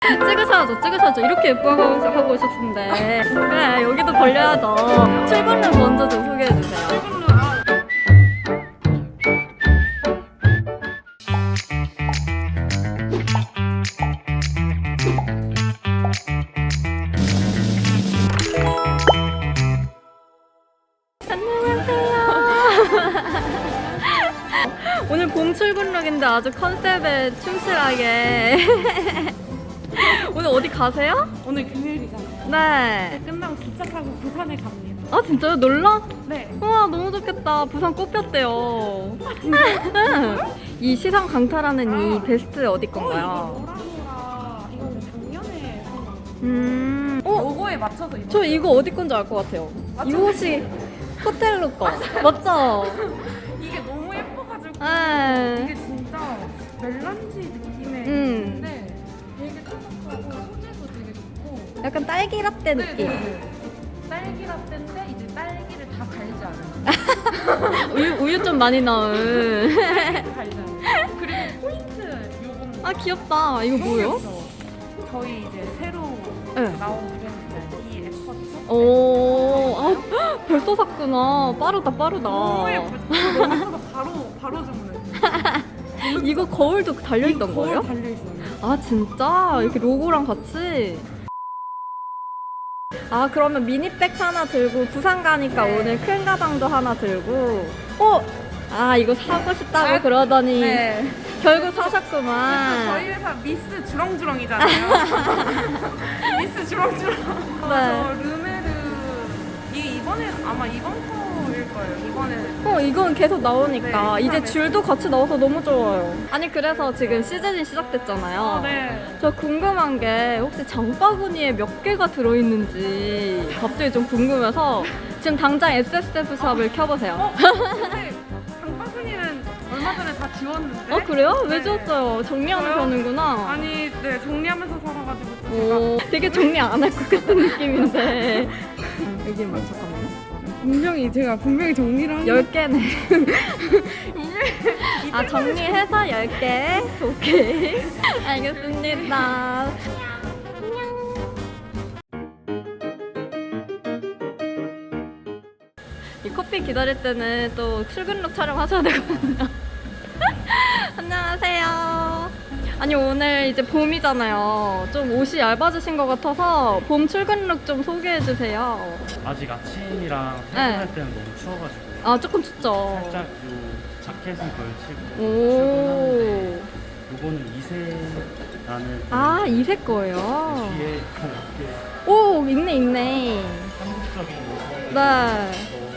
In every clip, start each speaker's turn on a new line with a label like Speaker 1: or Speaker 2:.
Speaker 1: 찍으셔야죠. 이렇게 예뻐하고 오셨는데. 그래, 여기도 걸려야죠. 출근룩 먼저 좀 소개해주세요. 오늘 봄 출근룩인데 아주 컨셉에 충실하게. 오늘 어디 가세요?
Speaker 2: 오늘 금요일이잖아요.
Speaker 1: 네.
Speaker 2: 끝나고 기차 타고 부산에 갑니다.
Speaker 1: 아 진짜요? 놀러?
Speaker 2: 네.
Speaker 1: 우와 너무 좋겠다. 부산 꼽혔대요. 이 시상 강탈하는 이 베스트 어디 건가요?
Speaker 2: 이거 노라노라. 이거 우리 작년에 산 거.
Speaker 1: 어?
Speaker 2: 로고에 맞춰서 입었어요.
Speaker 1: 저 이거 어디 건지 알 것 같아요. 이 옷이 호텔로 거. 맞죠?
Speaker 2: 이게 너무 예뻐가지고
Speaker 1: 네.
Speaker 2: 이게 진짜 멜란지 느낌의
Speaker 1: 음.
Speaker 2: 건데 되게 촉촉하고 소재도 되게 좋고
Speaker 1: 약간 딸기 라떼 느낌.
Speaker 2: 딸기 라떼인데 이제 딸기를 다 갈지 않은
Speaker 1: 우유 좀 많이 넣은.
Speaker 2: 갈지 않은 그리고 포인트 요건
Speaker 1: 아 귀엽다. 이거 뭐예요?
Speaker 2: 저희 이제 새로
Speaker 1: 네.
Speaker 2: 나온 브랜드 이 에퍼트.
Speaker 1: 오, 아, 벌써 샀구나. 빠르다.
Speaker 2: 너무 예쁘죠? 너무 예뻐서 바로 주문했어요.
Speaker 1: 이거 거울도 달려있던 거예요?
Speaker 2: 달려있어요.
Speaker 1: 아, 진짜? 이렇게 로고랑 같이? 아, 그러면 미니백 하나 들고 부산 가니까
Speaker 2: 네.
Speaker 1: 오늘 큰 가방도 하나 들고. 아, 이거 사고 싶다고
Speaker 2: 아,
Speaker 1: 그러더니
Speaker 2: 네.
Speaker 1: 결국 사셨구만.
Speaker 2: 저희 회사 미스 주렁주렁이잖아요. 미스 주렁주렁.
Speaker 1: 네.
Speaker 2: 르메르 이번에 아마 이번 거일 거예요. 이번에.
Speaker 1: 이건 계속 나오니까
Speaker 2: 네,
Speaker 1: 이제 줄도 같이 나와서 너무 좋아요. 아니 그래서 지금 시즌이 시작됐잖아요.
Speaker 2: 네.
Speaker 1: 저 궁금한 게 혹시 장바구니에 몇 개가 들어있는지 갑자기 좀 궁금해서 지금 당장 SSF 샵을 켜보세요.
Speaker 2: 근데 장바구니는 얼마 전에 다 지웠는데.
Speaker 1: 그래요? 왜
Speaker 2: 네.
Speaker 1: 지웠어요? 정리하는
Speaker 2: 저요?
Speaker 1: 편이구나.
Speaker 2: 아니, 네 정리하면서 살아가지고 또
Speaker 1: 오, 되게 정리 안 할 것 같은 느낌인데. 여기 잠깐만요.
Speaker 2: 제가 분명히 정리를 하는
Speaker 1: 10개네. 아, 정리해서 10개? 오케이. 알겠습니다. 이 커피 기다릴 때는 또 출근룩 촬영하셔야 되거든요. 안녕하세요. 아니 오늘 이제 봄이잖아요. 좀 옷이 얇아지신 것 같아서 봄 출근룩 좀 소개해주세요.
Speaker 3: 아직 아침이랑
Speaker 1: 네.
Speaker 3: 퇴근할 때는 너무 추워가지고
Speaker 1: 아 조금 춥죠?
Speaker 3: 살짝 요 자켓은 걸치고
Speaker 1: 오.
Speaker 3: 출근하는데 요거는 이세라는
Speaker 1: 아 이색 거예요.
Speaker 3: 뒤에 이렇게
Speaker 1: 오 있네.
Speaker 3: 한국적인
Speaker 1: 네.
Speaker 3: 넣은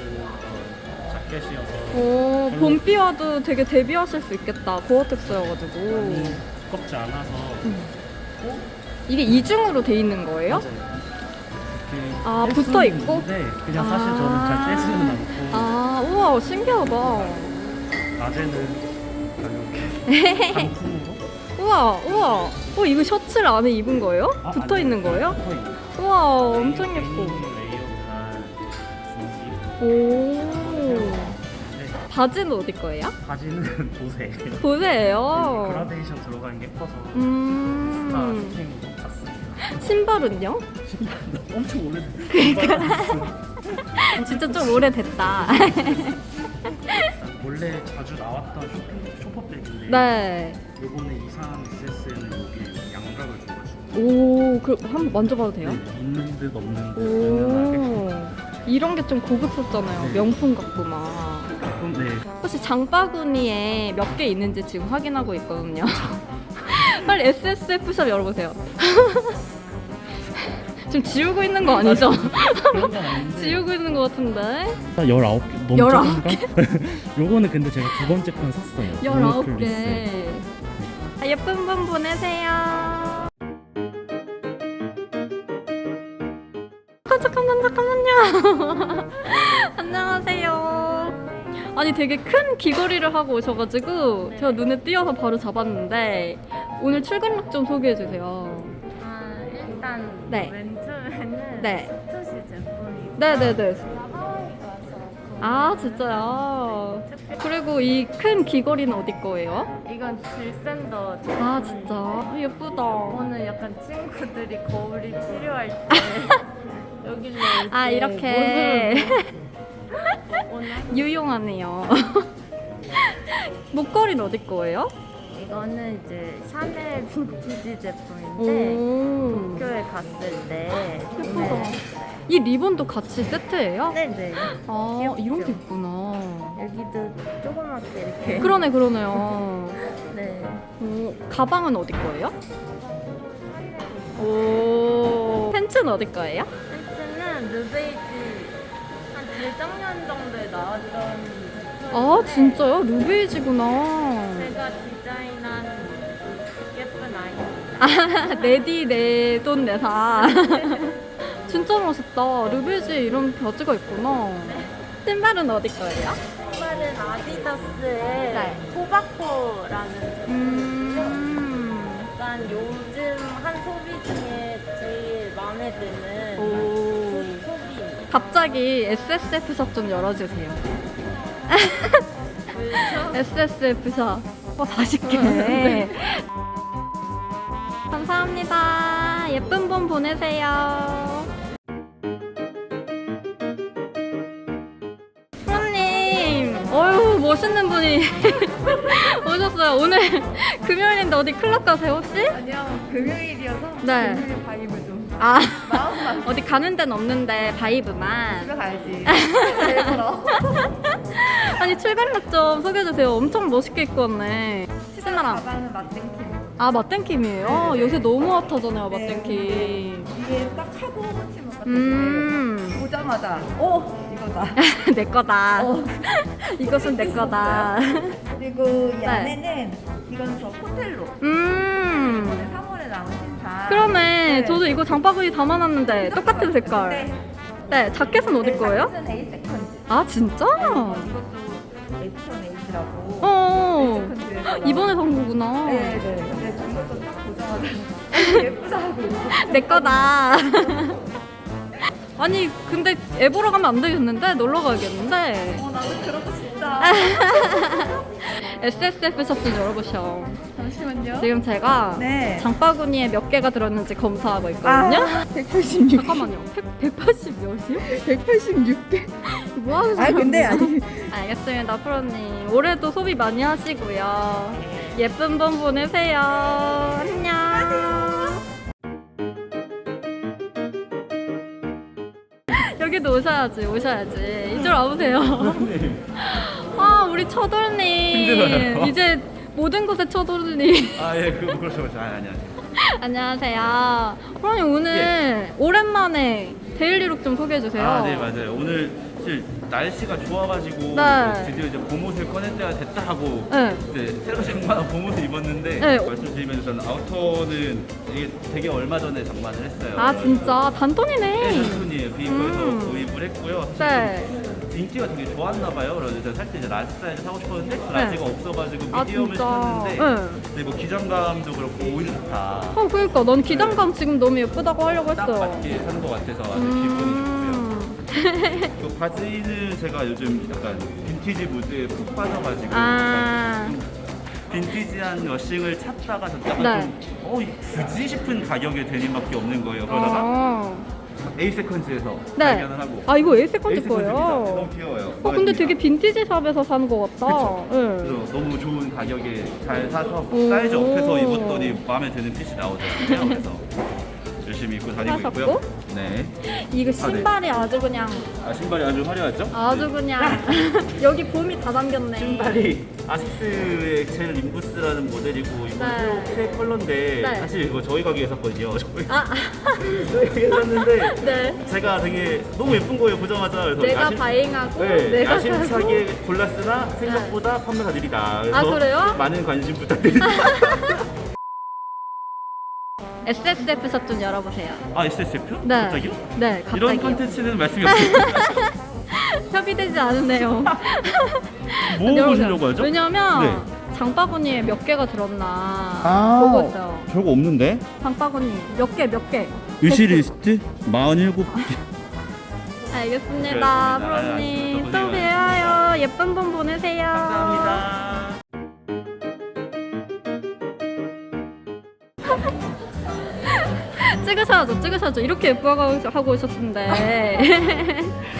Speaker 3: 자켓이어서
Speaker 1: 오 봄비 와도 되게 대비하실 수 있겠다. 고어텍스여가지고.
Speaker 3: 많이 두껍지 않아서
Speaker 1: 이게 이중으로 돼 있는 거예요?
Speaker 3: 맞아요. 이렇게
Speaker 1: 아,
Speaker 3: 뗄
Speaker 1: 붙어
Speaker 3: 수는
Speaker 1: 있고?
Speaker 3: 있는데 그냥 사실 저는 잘 떼지는 않고
Speaker 1: 아 우와 신기하다.
Speaker 3: 낮에는 이렇게 단품으로
Speaker 1: 우와. 이거 셔츠를 안에 입은 거예요? 붙어 있는 거예요?
Speaker 3: 붙어 있는
Speaker 1: 우와 엄청 예뻐.
Speaker 3: 레이어 다 준비.
Speaker 1: 오.
Speaker 3: 네,
Speaker 1: 바지는 어디 거예요?
Speaker 3: 바지는 보세.
Speaker 1: 보세요.
Speaker 3: 그라데이션 들어가는 게 예뻐서 스타
Speaker 1: 음.
Speaker 3: 쇼핑으로 샀습니다.
Speaker 1: 신발은요?
Speaker 3: 신발도 엄청 오래됐어요.
Speaker 1: 진짜 좀 오래됐다.
Speaker 3: 원래 자주 나왔던 쇼퍼백인데
Speaker 1: 네.
Speaker 3: 요번에 이상한 SS에는 여기 양각을 줘가지고
Speaker 1: 오, 한번 만져봐도 돼요?
Speaker 3: 있는 듯 없는 듯 은은하게
Speaker 1: 오. 이런 게 좀 고급스럽잖아요.
Speaker 3: 네.
Speaker 1: 명품 같고 막.
Speaker 3: 조금 네
Speaker 1: 혹시 장바구니에 몇 개 있는지 지금 확인하고 있거든요. 빨리 SSF샵 열어보세요. 지금 지우고 있는 거 아니죠?
Speaker 3: 그런 건 아닌데
Speaker 1: 지우고 있는 거 같은데?
Speaker 3: 19개 너무
Speaker 1: 19개?
Speaker 3: 요거는 근데 제가 두 번째 편 샀어요.
Speaker 1: 19개. 예쁜 분 보내세요. 잠깐만요. 안녕하세요. 아니 되게 큰 귀걸이를 하고 오셔가지고 제가 눈에 띄어서 바로 잡았는데 오늘 출근룩 좀 소개해주세요.
Speaker 2: 일단
Speaker 1: 네.
Speaker 2: 왼쪽에는
Speaker 1: 네.
Speaker 2: 스투시 제품이고
Speaker 1: 네네네.
Speaker 2: 하와이가
Speaker 1: 아 진짜요? 그리고 이 큰 귀걸이는 어디 거예요?
Speaker 4: 이건 질샌더.
Speaker 1: 아 진짜 예쁘다.
Speaker 4: 오늘 약간 친구들이 거울이 필요할 때 여기를
Speaker 1: 아 이렇게
Speaker 4: 오늘
Speaker 1: 유용하네요. 목걸이는 어디 거예요?
Speaker 4: 이거는 이제 샤넬 빈티지 제품인데
Speaker 1: 오
Speaker 4: 도쿄에 갔을 때
Speaker 1: 예쁘다. 이 리본도 같이 세트예요?
Speaker 4: 네네.
Speaker 1: 아
Speaker 4: 귀엽죠?
Speaker 1: 이런 게 있구나.
Speaker 4: 여기도 조그맣게 이렇게.
Speaker 1: 그러네요.
Speaker 4: 네.
Speaker 1: 오, 가방은 어디 거예요? 오 팬츠는 어디 거예요?
Speaker 4: 팬츠는 르베이지 한 재작년 정도에 나왔던 제품인데
Speaker 1: 아 진짜요? 루베이지구나.
Speaker 4: 제가 디자인한 예쁜 아이템.
Speaker 1: 아 내디 내 돈 내사. 진짜 멋있다. 루베이지 이런 바지가 있구나. 신발은 어디 거예요?
Speaker 4: 신발은 아디다스의
Speaker 1: 네.
Speaker 4: 토바코라는 제품. 약간 요즘 한 소비 중에 제일 마음에 드는
Speaker 1: 오.
Speaker 4: 소비.
Speaker 1: 갑자기 SSF 샵 좀 열어주세요.
Speaker 4: 왜죠?
Speaker 1: SSF 샵. 40개. 감사합니다. 예쁜 봄 보내세요. 프로님, 어휴 멋있는 분이 오셨어요. 오늘 금요일인데 어디 클럽 가세요 혹시?
Speaker 2: 아니요, 금요일이어서
Speaker 1: 네.
Speaker 2: 금요일 바이브 좀
Speaker 1: 아
Speaker 2: 마음만
Speaker 1: 어디 가는 데는 없는데 바이브만.
Speaker 2: 집에 가야지. 일부러.
Speaker 1: 아니 출발룩 좀 소개해주세요. 엄청 멋있게 입고 왔네. 신나랑.
Speaker 2: 가방은 맛땡킴.
Speaker 1: 아 맛땡킴이에요? 요새 너무 핫하잖아요 맛땡킴.
Speaker 2: 이게 딱 하고 치는 것 같은데 보자마자 이거다.
Speaker 1: 내 거다. 이것은 내 거다.
Speaker 2: 그리고 이
Speaker 1: 네.
Speaker 2: 안에는 이건 저 코텔로. 3월에 나온 신상.
Speaker 1: 그러네.
Speaker 2: 네.
Speaker 1: 저도 이거 장바구니 담아놨는데 똑같은 색깔. 네, 자켓은 어디 거예요?
Speaker 2: 자켓은 A 세컨즈.
Speaker 1: 아 진짜?
Speaker 2: 이것도 에디션 A라고.
Speaker 1: 어.
Speaker 2: 세컨즈에서
Speaker 1: 이번에 산 거구나.
Speaker 2: 네. 근데 이것도 딱 보자마자 예쁘다 하고.
Speaker 1: 내 거다. 아니 근데 애 보러 가면 안 되겠는데? 놀러 가야겠는데?
Speaker 2: 나도 그러고 싶다.
Speaker 1: SSF 샵 좀 열어보셔.
Speaker 2: 잠시만요.
Speaker 1: 지금 제가
Speaker 2: 네.
Speaker 1: 장바구니에 몇 개가 들었는지 검사하고 있거든요.
Speaker 2: 186.
Speaker 1: 잠깐만요. 180 몇이요?
Speaker 2: 186개.
Speaker 1: 뭐 하는
Speaker 2: 아 근데
Speaker 1: 사람이야?
Speaker 2: 아니
Speaker 1: 알겠습니다, 프로님. 올해도 소비 많이 하시고요. 예쁜 봄 보내세요. 안녕. 여기도 오셔야지. 이쪽 와보세요. 아, 우리 처돌님.
Speaker 3: 힘들어요.
Speaker 1: 이제 모든 곳에 처돌님.
Speaker 3: 아예 그렇죠. 안녕하세요.
Speaker 1: 안녕하세요. 프로님 오늘 오랜만에 데일리룩 좀 소개해주세요.
Speaker 3: 아 네 맞아요. 오늘 사실 날씨가 좋아가지고
Speaker 1: 네.
Speaker 3: 드디어 이제 봄옷을 꺼낼 때가 됐다 하고
Speaker 1: 네.
Speaker 3: 이제 새로 장만한 봄옷을 입었는데
Speaker 1: 네.
Speaker 3: 말씀드리면 일단 아우터는 이게 되게 얼마 전에 장만을 했어요.
Speaker 1: 아 진짜 단돈이네.
Speaker 3: 네, 단순이에요. 거기서 구입을 했고요.
Speaker 1: 네.
Speaker 3: 인기가 되게 좋았나 봐요. 그래서 제가 살 때 이제 라지 사이즈 사고 싶었는데 그 라지가 없어가지고
Speaker 1: 아,
Speaker 3: 미디엄을
Speaker 1: 진짜?
Speaker 3: 시켰는데
Speaker 1: 네.
Speaker 3: 근데 뭐 기장감도 그렇고 오히려 좋다.
Speaker 1: 그러니까 넌 기장감 지금 너무 예쁘다고 하려고
Speaker 3: 딱
Speaker 1: 했어요.
Speaker 3: 맞게 산 것 같아서 아주 기분이 좋고요. 그 바지는 제가 요즘 약간 빈티지 무드에 푹 빠져가지고
Speaker 1: 아.
Speaker 3: 약간 좀 빈티지한 러싱을 찾다가 약간
Speaker 1: 네.
Speaker 3: 좀 굳이 싶은 가격의 데님밖에 없는 거예요. 그러다가
Speaker 1: 어.
Speaker 3: A 세컨즈에서
Speaker 1: 네.
Speaker 3: 발견을 하고
Speaker 1: 아 이거 A 세컨즈
Speaker 3: A-세컨즈입니다. 너무
Speaker 1: 거예요.
Speaker 3: 귀여워요.
Speaker 1: 근데
Speaker 3: 마음에
Speaker 1: 되게
Speaker 3: 듭니다.
Speaker 1: 빈티지 샵에서 산 것 같다.
Speaker 3: 그쵸?
Speaker 1: 네.
Speaker 3: 그래서 너무 좋은 가격에 잘 사서
Speaker 1: 오.
Speaker 3: 사이즈 업해서 입었더니 마음에 드는 핏이 나오더라고요. 그래서 열심히 입고 다니고
Speaker 1: 사셨고?
Speaker 3: 있고요. 네.
Speaker 1: 이거 신발이 아주 그냥
Speaker 3: 신발이 아주 화려하죠?
Speaker 1: 아주 그냥 여기 봄이 다 담겼네.
Speaker 3: 신발이 아식스의 젤 림부스라는 모델이고 이거
Speaker 1: 네.
Speaker 3: 새 컬러인데
Speaker 1: 네.
Speaker 3: 사실 이거 저희 가게에 샀거든요. 저희
Speaker 1: 아,
Speaker 3: 가게에 샀는데
Speaker 1: 네.
Speaker 3: 제가 되게 너무 예쁜 거예요 보자마자. 그래서
Speaker 1: 내가 바잉하고
Speaker 3: 네,
Speaker 1: 내가
Speaker 3: 야심차게 골랐으나 생각보다 판매가 느리다. 그래서
Speaker 1: 아, 그래요?
Speaker 3: 많은 관심 부탁드립니다.
Speaker 1: SSF 샵 좀 열어보세요.
Speaker 3: 아 SSF요?
Speaker 1: 네.
Speaker 3: 갑자기요?
Speaker 1: 네, 갑자기.
Speaker 3: 이런 컨텐츠는 말씀이 없습니다.
Speaker 1: 협의되지 않으네요.
Speaker 3: 뭐
Speaker 1: 열어보세요.
Speaker 3: 보시려고 하죠?
Speaker 1: 왜냐면
Speaker 3: 네.
Speaker 1: 장바구니에 몇 개가 들었나
Speaker 3: 아.
Speaker 1: 보고 있어요.
Speaker 3: 별거 없는데?
Speaker 1: 장바구니 몇 개?
Speaker 3: 위시리스트 47개.
Speaker 1: 알겠습니다,
Speaker 3: 그렇습니다.
Speaker 1: 프로님.
Speaker 3: 또
Speaker 1: 또
Speaker 3: 고생하셨습니다.
Speaker 1: 봬요. 감사해요. 예쁜 분 보내세요.
Speaker 3: 감사합니다.
Speaker 1: 찍으셔야죠. 이렇게 예뻐하고 오셨는데.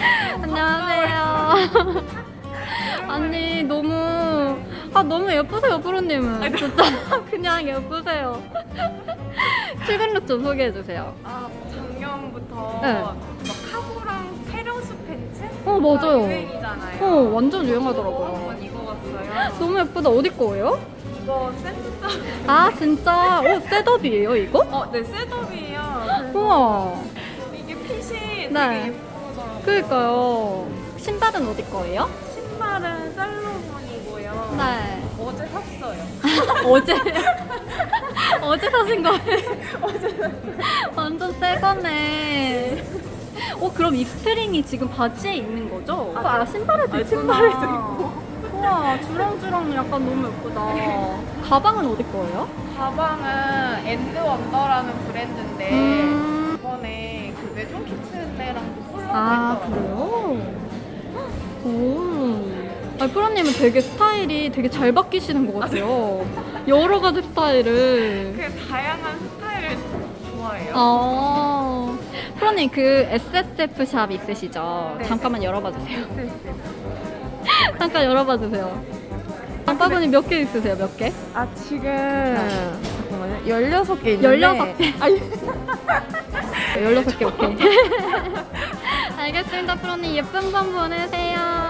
Speaker 1: 안녕하세요. 아니, 너무 예쁘세요, 프로님은. 진짜 그냥 예쁘세요. 출근룩 좀 소개해주세요.
Speaker 4: 아, 작년부터
Speaker 1: 네.
Speaker 4: 막 카고랑 페러스 팬츠?
Speaker 1: 맞아요.
Speaker 4: 유행이잖아요.
Speaker 1: 완전
Speaker 4: 이거
Speaker 1: 유행하더라고요.
Speaker 4: 한번 입어봤어요.
Speaker 1: 너무 예쁘다. 어디 거예요?
Speaker 4: 이거 샌드서.
Speaker 1: 아, 진짜? 셋업이에요, 이거?
Speaker 4: 네, 셋업이에요.
Speaker 1: 우와.
Speaker 4: 이게 핏이
Speaker 1: 네.
Speaker 4: 되게 예쁘더라고요.
Speaker 1: 그니까요. 신발은 어디 거예요?
Speaker 4: 신발은 살로몬이고요.
Speaker 1: 네.
Speaker 4: 어제 샀어요.
Speaker 1: 어제 어제 사신 거예요? 완전 새 거네. 그럼 이 스트링이 지금 바지에 있는 거죠? 신발에도 있구나.
Speaker 4: 신발에도 있고.
Speaker 1: 우와, 주렁주렁 약간 너무 예쁘다. 가방은 어디 거예요?
Speaker 4: 가방은 엔드 원더라는 브랜드인데
Speaker 1: 음.
Speaker 4: 이번에 그 외종 키트네랑도
Speaker 1: 아,
Speaker 4: 콜라보했더라고요.
Speaker 1: 그래요? 오. 프로님은 되게 스타일이 되게 잘 바뀌시는 것 같아요. 여러 가지 스타일을.
Speaker 4: 그 다양한 스타일을 좋아해요.
Speaker 1: 프로님 그 SSF 샵 있으시죠?
Speaker 4: 네.
Speaker 1: 잠깐만 열어봐 주세요. 잠깐 열어봐 주세요. 장바구니 몇 개 있으세요? 몇 개?
Speaker 2: 아 지금 잠깐만요. 16개 있는데
Speaker 1: 16개.
Speaker 2: 아니
Speaker 1: 16개 오케이. 알겠습니다, 프로님. 예쁜 밤 보내세요.